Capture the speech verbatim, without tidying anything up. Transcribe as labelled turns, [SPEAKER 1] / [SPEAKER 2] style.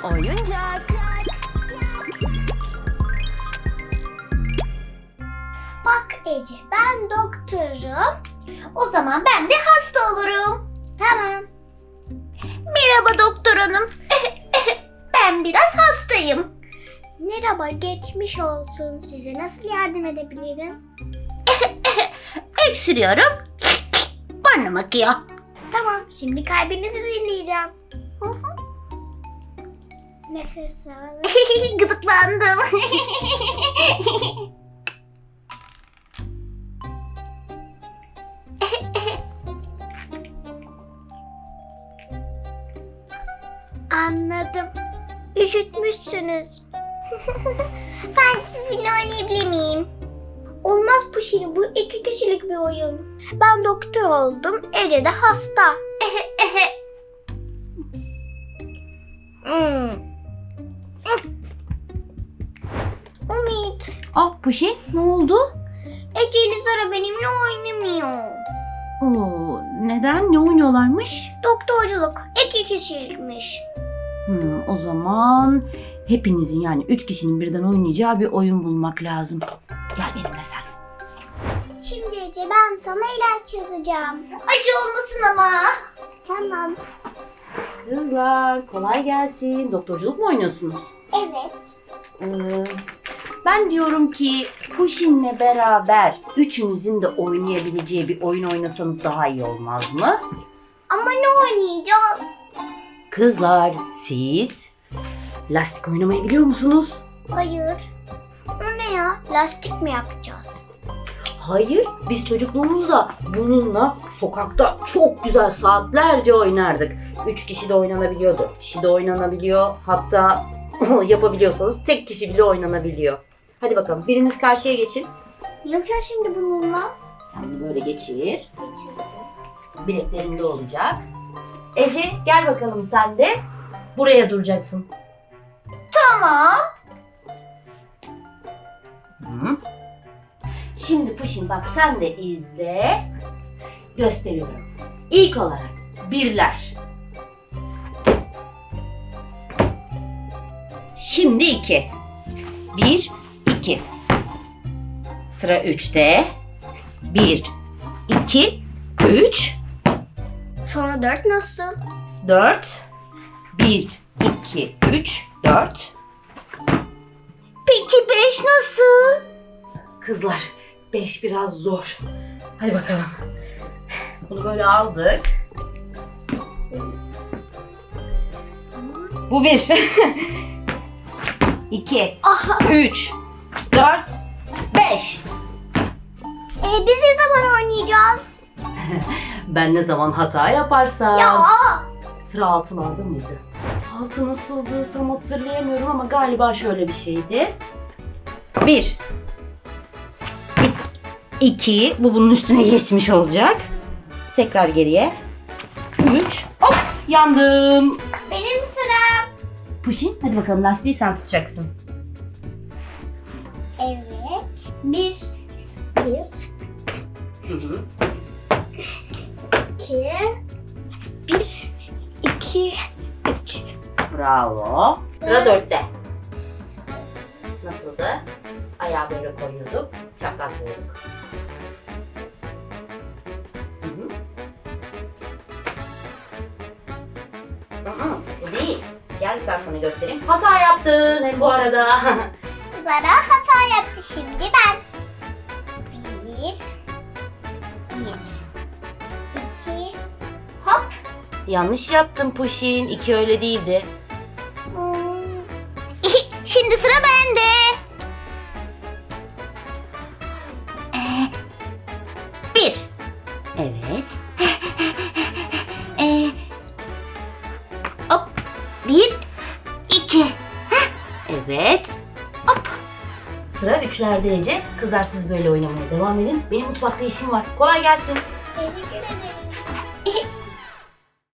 [SPEAKER 1] oyuncak.
[SPEAKER 2] Bak Ece, ben doktorum. O zaman ben de hasta olurum. Tamam. Merhaba doktor hanım. Ben biraz hastayım. Merhaba, geçmiş olsun. Size nasıl yardım edebilirim? Öksürüyorum. Burnum akıyor. Tamam, şimdi kalbinizi dinleyeceğim. Hı hı. Nefes al. Gıdıklandım. Anladım. Üşütmüşsünüz. Ben sizinle oynayabilir miyim? Olmaz Puşi, bu iki kişilik bir oyun. Ben doktor oldum, Ece de hasta. hmm. Umut,
[SPEAKER 3] Ah Puşi, ne oldu?
[SPEAKER 2] Ece ile Zara benimle oynamıyor.
[SPEAKER 3] Oo, neden? Ne oynuyorlarmış?
[SPEAKER 2] Doktorculuk iki kişilikmiş.
[SPEAKER 3] Hmm, o zaman hepinizin yani üç kişinin birden oynayacağı bir oyun bulmak lazım. Gel benimle sen.
[SPEAKER 2] Şimdi Ece, ben sana ilaç yazacağım. Acı olmasın ama. Tamam.
[SPEAKER 3] Kızlar kolay gelsin. Doktorculuk mu oynuyorsunuz?
[SPEAKER 2] Evet.
[SPEAKER 3] Ee, ben diyorum ki Puşin'le beraber üçünüzün de oynayabileceği bir oyun oynasanız daha iyi olmaz mı?
[SPEAKER 2] Ama ne oynayacağız?
[SPEAKER 3] Kızlar siz lastik oynamayı biliyor musunuz?
[SPEAKER 2] Hayır. O ne ya? Lastik mi yapacağız?
[SPEAKER 3] Hayır, biz çocukluğumuzda bununla sokakta çok güzel saatlerce oynardık. Üç kişi de oynanabiliyordu. dört kişi de oynanabiliyor. Hatta yapabiliyorsanız tek kişi bile oynanabiliyor. Hadi bakalım biriniz karşıya geçin.
[SPEAKER 2] Ne yapacağız şimdi bununla?
[SPEAKER 3] Sen de böyle geçir.
[SPEAKER 2] Geçirdim.
[SPEAKER 3] Bileklerinde olacak. Ece gel bakalım sen de. Buraya duracaksın.
[SPEAKER 2] Tamam.
[SPEAKER 3] Hı. Şimdi Puşin bak sen de izle. Gösteriyorum. İlk olarak birler. Şimdi iki. Bir, iki. Sıra üçte. Bir, iki, üç,
[SPEAKER 2] Sonra dört nasıl?
[SPEAKER 3] dört. Bir, iki, üç, dört.
[SPEAKER 2] Peki beş nasıl?
[SPEAKER 3] Kızlar beş biraz zor. Hadi bakalım. Bunu böyle aldık. Bu bir. İki.
[SPEAKER 2] Aha.
[SPEAKER 3] Üç. Dört. Beş.
[SPEAKER 2] E, biz ne zaman oynayacağız?
[SPEAKER 3] Ben ne zaman hata yaparsam.
[SPEAKER 2] Ya.
[SPEAKER 3] Sıra altın mıydı? Altı nasıldı tam hatırlayamıyorum ama galiba şöyle bir şeydi. Bir. İki. Bu bunun üstüne geçmiş olacak. Tekrar geriye. Üç. Hop yandım.
[SPEAKER 2] Benim sıram.
[SPEAKER 3] Puşin hadi bakalım lastiği sen tutacaksın.
[SPEAKER 2] Evet. Bir. Bir.
[SPEAKER 3] Hı hı.
[SPEAKER 2] İki. Bir. İki. Üç.
[SPEAKER 3] Bravo. Sıra dörtte. Nasıldı? Ayağı böyle koyuyorduk. Çaklatlıyorduk. Hı hı. Hı hı, bu değil. Gel ben sana göstereyim. Hata yaptın hem bu arada.
[SPEAKER 2] Zara hata yaptı, şimdi ben. Bir. Bir. İki. Hop.
[SPEAKER 3] Yanlış yaptın Puşin. İki öyle değildi.
[SPEAKER 2] Hmm. Şimdi sıra bende. Ee, bir.
[SPEAKER 3] Evet.
[SPEAKER 2] Ee, hop. Bir. İki.
[SPEAKER 3] Evet. Hop. Sıra üçlerde Ece. Kızlar siz böyle oynamaya devam edin. Benim mutfakta işim var. Kolay gelsin.
[SPEAKER 2] Teşekkür ederim.